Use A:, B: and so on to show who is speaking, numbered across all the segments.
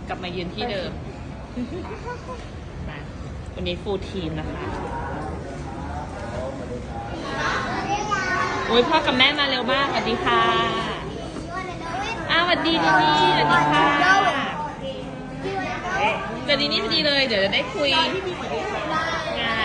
A: กลับมายืนที่เดิมมาวันนี้ฟูลทีมนะคะโอ้ยพ่อกับแม่มาเร็วมากสวัสดีค่ะสวัสดีดีนี่สวัสดีค่ะเดี๋ยวดีนี่พอดีเลยเดี๋ยวจะได้คุยงาน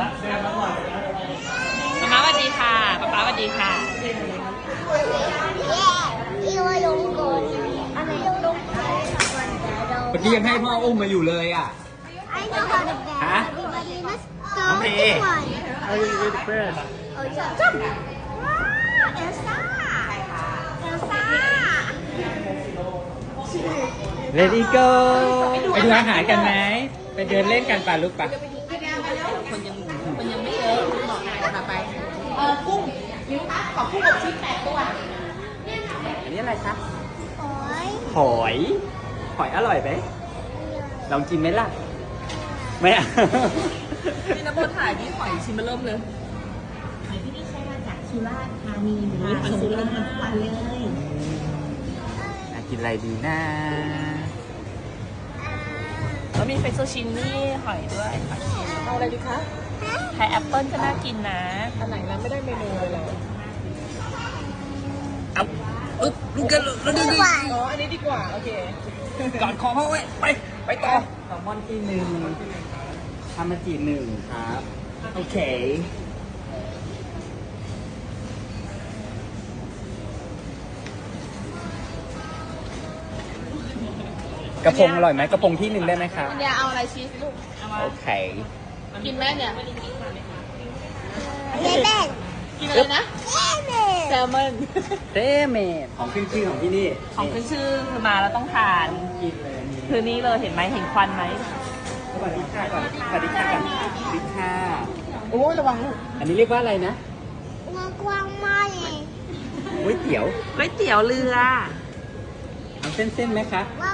A: ป๊าสวัสดีค่ะป๊าสวัสดีค่ะ
B: เมื่อกี้ยังให้พ่ออุ้มมาอยู่เลยอ่ะฮะน้องเพเลดี้โกไปดูอาหารกันไหมไปเดินเล่นกันป่ะลูกป่ะ
A: คนยังไม่เยอะบอกนายจะพาไปกุ้งมิ้วคะขอกุ้งอบชีส8 ตัว
B: อันนี้อะไรครับหอยอร่อยไหมลองกินไหมล่ะไม่เอา
A: นี่นะโบถ่ายนี่หอยชิมมาเริ่มเลย
C: หอยที่นี่ใช้มาจากสุราษฎร์ธานีนะคะส่งลงมาทุกวันเลย
B: น่ากินอะไรดีนะ
A: แล้วมีเฟซโซชินนี่หอยด้วยเอาอะไรดีคะไข่แอปเปิ้ลก็น่ากินนะอันไหนนั้นไม่ได้เมนูเลยเหรอ
B: เอาอึ๊บลูกกันแล้วดูดิ
A: อ๋ออันนี้ดีกว่าโอเค
B: กอดคอพ่อไว้ไปต่อแซลมอนที่1ทามาจิ1ครับโอเคกระพงอร่อยไหมกระพงที่1ได้ไหมครับ
A: อันยาเอาอะไรชีสลูกเอามา
B: โอเค
A: กินแม่เนี่ยกินอะไรนะแซลมอน
B: เต้เมดของขึ้นชื่อของที่นี่
A: ของขึ้นชื่อคือมาแล้วต้องทาน
B: กินเลย
A: คือนี้เลยเห็นไหมเห็นควันไหม
B: สวัสดีค่ะก่อนสวัสดีค่ะก่อนสวัสดีค่ะ
A: โอ้ยระวังลูก
B: อันนี้เรียกว่าอะไรนะก๋วยเตี๋ยว
A: ก๋วยเตี๋ยวเรือ
B: เอาเส้นๆไหมคะ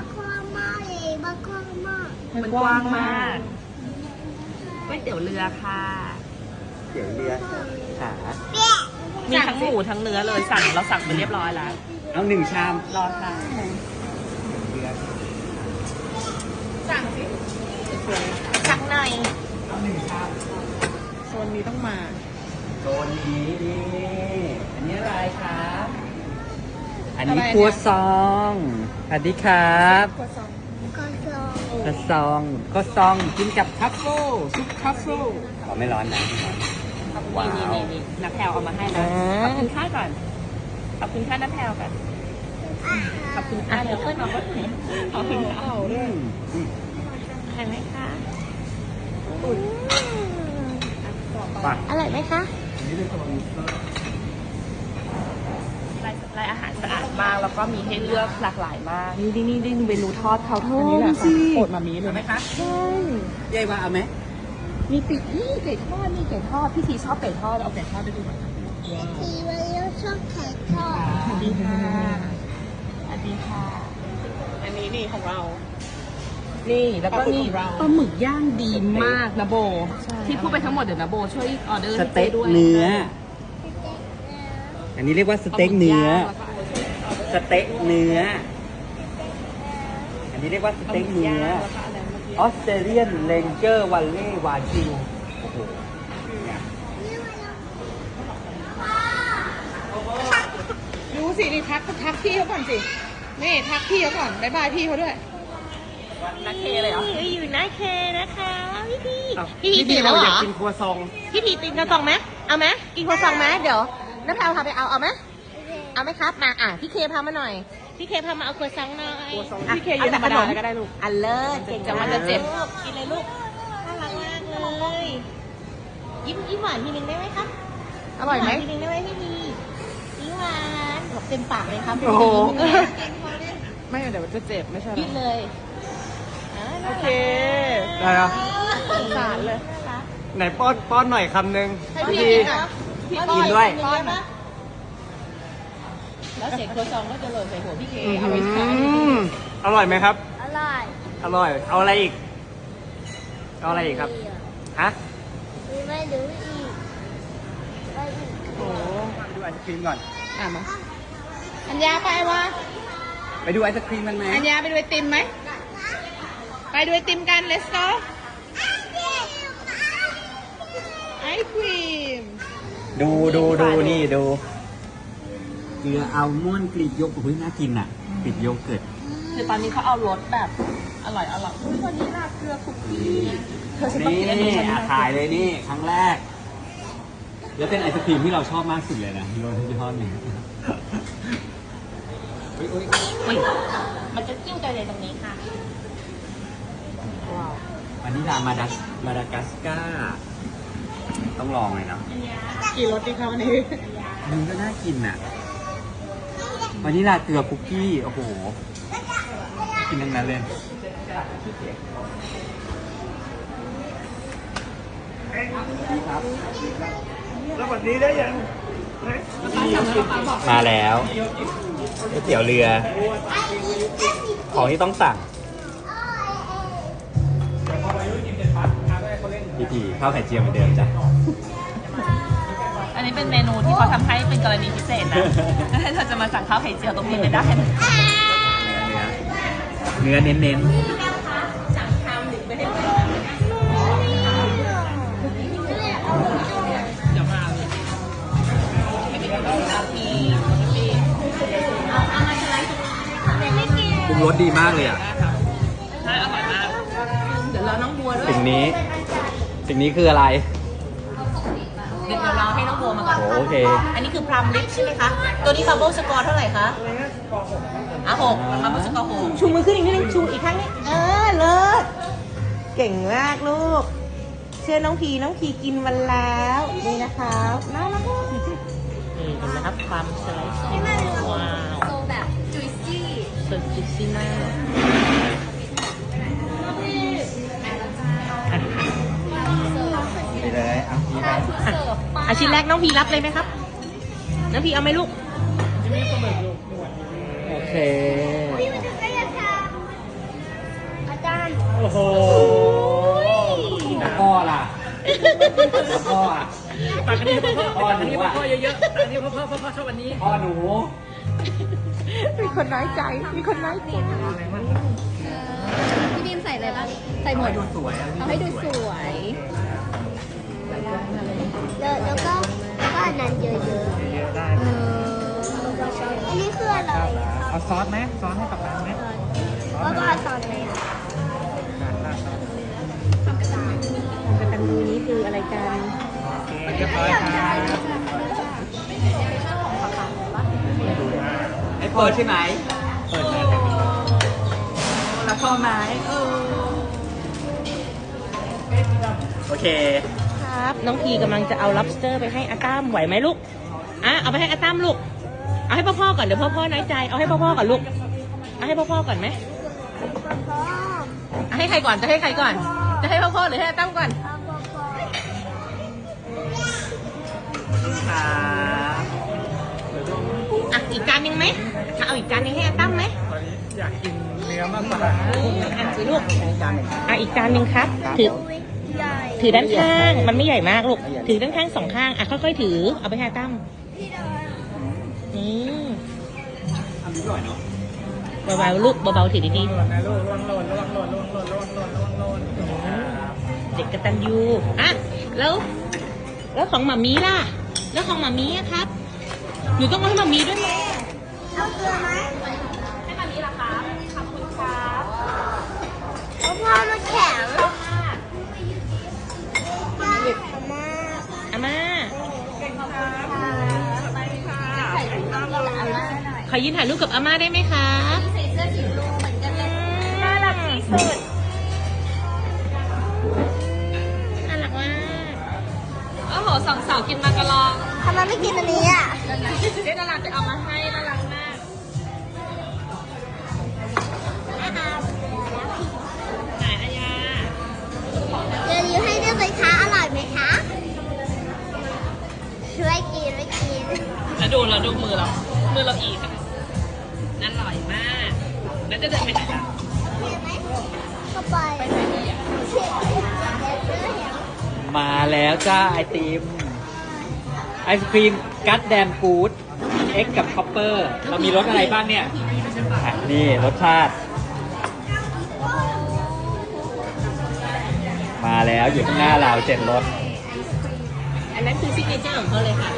A: มันกว้างมากก๋วยเตี๋ยวเรือค่ะ
B: เตี๋ยวเรือขา
A: มีทั้งหมูทั้งเนื้อเลยเราสั่งไปเรียบร้อยแล้ว
B: เอา1 ชาม
A: รอค่ะ
B: เรือ
A: สั่งสิสั่งหน่อย
B: เอา1 ชาม
A: โซนนี้ต้องมา
B: โซนนี้นี่อันนี้อะไรครับ อันนี้
A: อะไรเนี่ย
B: ครัวซองสวัสดีครับ
A: ครัวซอง
B: ครัวซองกินกับทัฟเฟิลซุปทัฟเฟิลอ๋อไม่ร้อนนะไม่ร้อนว้าว
A: นี่นักแพลวเอามาให้นะขอบคุณค่าก่อนขอบคุณค่านักแพลวก่อนขอบคุณค่าเดี๋ยวเพื่อนน้องก็ถึงขอบคุณค่ะ
B: อืม
A: ใช่ไหมคะ
B: ไป
C: อร่อยไหมคะ
B: อันนี้เป็นตัวมิสเตอร์
A: รายอาหารสะอาดมากแล้วก็มีให้เลือกหลากหลายมากนี่เมนูทอดเขาทอดโปรดมามีเลยไหมคะใช่
B: ยายว่าเอาไหม
A: มีปีกนี่ไก่ทอดนี่ไก่ทอดพี่ทีชอบไก่ทอดเอาไก่ทอดไปดูหน่อยสวัสดีค่ะสวัสดีค่ะ อันนี้นี่ของเรา นี่แล้วก็นี่ปลาหมึกย่างดีมากนะโบ ที่พูดไปทั้งหมดเดี๋ยวนะโบช่วยออเดอร์
B: ส
A: ให้
B: เต็ก
A: ด้วย
B: เนื้อ อันนี้เรียกว่าสเต็กเนื้อ สเต็กเนื้อ อันนี้เรียกว่าสเต็กเนื้อ ออสเตรเลียนเลนเจอร์วัลเล่วาชิวโอ้โหเนี่ย
A: รู้สินี่ทักพี่เขาก่อนสินี่ทักพี่เขาก่อนบ๊ายบายพี่เขาด้วยนักเคเลยเหรอ
C: อยู่หน้าเคนะคะพี่พี
B: พี่พีเราอยากกินครัวซอง
C: พี่พีกินกระซองไหมเอาไหมกินกระซองไหมเดี๋ยวน้ำแพรวพาไปเอาไหมเอาไหมครับมาพี่เคพามาหน่อยพี่เคพามาเอาครัวซองหน่อย
A: พี่เคยืนธรรมดาก็ได้ลูก
C: อันเลิศเก่ง
A: จะมันจะเจ็บ
C: กินเลยลูกน่ารักมากเลยยิ้มหวานทีนึงได้ไหมครับ
A: อร่อยไหม
C: ทีนึงได้ไหมพี่พียิ้มหวานบอกเต็มปากเลยครับ
A: โอ้โห
C: ยิ้ม
A: ไม่เดี๋ยวจะเจ็บไม่ใช่หร
C: ยิ้มเลย
A: โอเค
B: ได้เหรอ
A: สงสารเลย
B: ไหนป้อนหน่อยคำหนึ่ง
A: ให้พี่กินอ่ะพี่
B: กินด้วย
A: ป้อนนะแล้วเสียงโคซองก็จะหล่นใส่หัวพี่เคเอาไว้ใช้
B: อร่อยไหมครับ
C: อร่อย
B: อร่อย เอาอะไรอีก เอาอะไรอีกครับ ฮะ
C: ไม่รู้อีกไม่อีก
A: โอ้
B: ไปดูไอศครีมก่อน
A: มาอัญญาไปวะ
B: ไปดูไอศครีมกันไหม
A: อัญญาไปดูไอติมไหม
C: ไปดูไอติมกัน let's go ไอครีม
B: ดูนี่ดูเกลืออัลมอนด์กรีกโยเกิร์ตเฮ้ยน่ากินอ่ะกรีกโยเกิร์ต
A: คือตอนนี้เขาเอารสแบบอร่อยวันนี้น่าเกลือคุกกี้เธอฉันต้องกินอันนี้ฉัน
B: ถ่ายเลยนี่ครั้งแรก แล้วเป็นไอศครีมที่เราชอบมากสุดเลยนะโรสยี่ห้อหนึ่ง
A: อุ๊ยมันจะจิ้มใจเลยตรงนี้ค่ะว้าว
B: วานิลามาดากัสการ์ต้องลองเลยเนาะ
A: กี่รสดีคะวันนี้
B: มันก็น่ากินอ่ะวานิลาเกลือคุกกี้โอ้โหกินทั้งนั้นเลยแล้ววันนี้ได้ยังมาแล้วก๋วยเตี๋ยวเรือ ของที่ต้องสั่งพี่ข้าวไข่เจียวเหมือนเดิมจ้ะ
A: อันนี้เป็นเมนูที่เขาทำให้เป็นกรณีพิเศษนะถ้าเธอจะมาสั่งข้าวไข่เจียวตรงนี้ไม่ได้นะ
B: เนื้อเน้น
A: สั่งชามหนึ่งไม่ให้เดี๋ยวมาเลย
B: ปรุงรสดีมากเลยอ่ะ
A: ใช่อร่อยมากเดี๋ยวรอน้องบัวด้วย
B: สิ่งนี้คืออะไร
A: เดี๋ยวเราให้น้องบัวมาก่อน
B: โอเค
A: อันนี้คือพรัมลิปใช่ไหมคะ ตัวนี้บับเบิ้ลสกอร์เท่าไหร่คะ6บับเบิ้ลสกอร์6
C: ชูมือขึ้นอีกนิดนึงชูอีกครั้งนี้เลิศเก่งมากลูก เชื่อน้องพีกินวันแล้วนี่นะครับน่ารักมากนี่เห็นไหมครับความสไลซ์ว้าวโซแบบจุยซี่สดจุยซี่มาก
B: ไปเลยเอาพี่ไป
C: อาชิ้นแรกน้องพีรับเลยไหมครับน้องพีเอาไหมลูก
B: โอเค
D: พี่มันจะได้ทำอาจารย์
B: โอ้โหแล้วพ่อล่ะแล้วพ่ออ่ะ
A: ตักอันนี้พ่อ
B: หนูอ่ะ
A: พ่อเยอะๆตักอันนี้พ่อชอบอันนี้
B: พ่อหนู
C: มีคนน้อยใจมีคนน้อยใจ
D: พี่บีมใส่อะไรบ้างใส่หมด
B: ดูสวยอ่ะ
D: เอาให้ดูสวยแล้วก็อันนั้นเยอะๆ
B: ได้
D: อันนี้คืออะไร
B: เอาซอสไหมซอสให้กับร้านไหม
D: ว่าก็ซอสอะไรอ่ะ
C: กตัญญูนี้คืออะไรกัน
B: เรียบร้อยครับไอ้เปิดใช่ไหมเปิดแล้วแล้วพ่อไหมโอเค
C: ครับน้องพีกำลังจะเอา lobster ไปให้อาตั้มไหวไหมลูกเอาไปให้อาตั้มลูกเอาให้พ่อก่อนเดี๋ยวพ่อน้อยใจเอาให้พ่อก่อนลูกเอาให้พ่อก่อนไหมเอาให้ใครก่อนจะให้ใครก่อนจะให้พ่อหรือให้อาตั้มก่อนอีกจานนึงไหมเอาอีกจานนึงให้อาตั้มไหม
B: อยากกินเนื้อมากกว่า
C: สิลูกอีกจานนึงครับถือด้านข้างมันไม่ใหญ่มากลูกถือด้านข้าง2ข้างค่อยๆถือเอาไปให้อาตั้มนี่
B: ทำนิดหน่อยเนาะ
C: เบาๆลูกเบาๆถือดีๆเด็กกตัญญูแล้วของหมามีล่ะแล้วของหมามีครับหนูต้องเอาให้หมามีด้วยไหม
D: เอาเกลือไหมให้มานี้ล่ะครับขอบคุณครับเพราะพ่อมันแข็ง
C: อาม่าขอยืนถ่ายรูปกับอาม่าได้ไหมคะ
D: ใส่เสื้อสีลูกเหมือนกันเลยน่ารักที่สุด
C: น่ารักมาก
A: โอ้โหสองสาวกินมากระลอง
D: ทำไมไม่กินอันนี้อ่ะ
A: เจ๊ดาราจะเอามาให้น่ารักมากไหนอายา
D: เดี๋ยวให้ด้วยไหมคะอร่อยไหมคะช่วยกิน
A: แล้วดูมือเราอีกนั่นอร่อยมากแล้วจะเดินไปไหนกัน
D: เข้าไปไหนดีอ่ะ
B: มาแล้วจ้าไอติมไอศครีมกัดแดมกูดเอ็กกับคอปเปอร์เรามีรสอะไรบ้างเนี่ยนี่รสชาติแล้วอยู่ข้างหน้าเรา7รส
C: อันนั้นคือซิกเนเจอร์ของเขาเลยค่ะ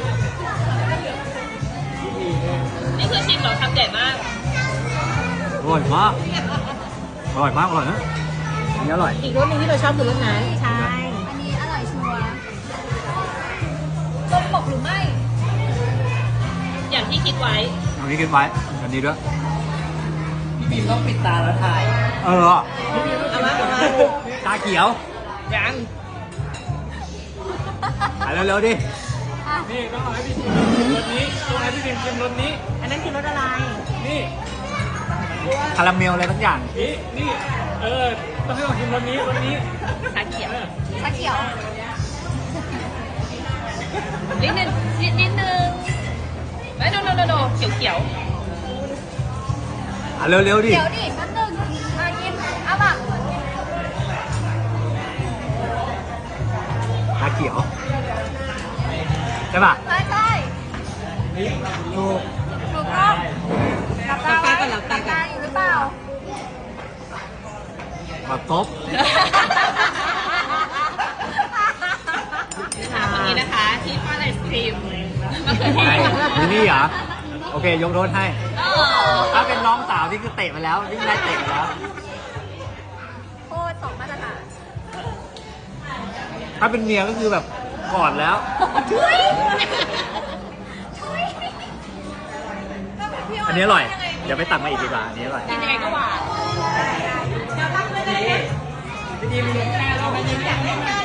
A: นี่คือชิมเหรอคำใหญ่มาก
B: อร่อยมากอร่อยมากอร่อยนะอันนี้อร่อย
C: อีกรสหนึงที่เราชอบคือรสนั้นใช่
D: อันนี้อร่อยชัวร์ตรงปกหรือไม่
A: อย่างที่คิดไว้
B: อันนี้กินไว้อันนี้ด้วย
A: พี่บีมต้องปิดตาแล้วถ่าย
B: เออ
C: เอามาเอามา
B: ตาเขียว
A: ยัง
B: ไปเร็วๆดิ
A: นี่ต้องให้พี่ชิมรสนี้ต้องให้พี่บีมชิมรสนี้
C: อันนั้นคือรสอะไร
A: นี่
B: คาราเมลอะไรทั้งอย่าง
A: นี่ต้องให้ลองชิมรสนี้ชาเขียว
D: ชาเขียว
A: นิดนึงไม่โนเขียว
B: อ่ะเร็วๆดิ
D: เดี๋ยวดิแป๊บนึงมากินเอาป่ะ
B: ตาเขียวใช่ป่ะ
D: ใช่ใช่
B: ถูก
D: ถูกต้องหลับตาไว้หลับตาอยู่หรือเปล่า
B: มาตบ
A: คนนี้นะคะที่ป้อนไอศครีมมะเขือเท
B: ไอ้
A: ศ
B: นี่เหรอ โอเค ยกโทษให้ ถ้าเป็นน้องสาวนี่คือเตะไปแล้ววิ่งไล่เตะไปแล้ว
D: โคตรสองมาตรฐาน
B: ถ้าเป็นเมียก็คือแบบกอดแล้ว อันนี้อร่อย เดี๋ยวไปตักมาอีกดีกว่า อันนี้อร่อย
A: กินยังไงก็หวาน
D: เดี๋ยวรับไปเลย
A: ดีมีแค่เราไปยิ้มอย่างนี้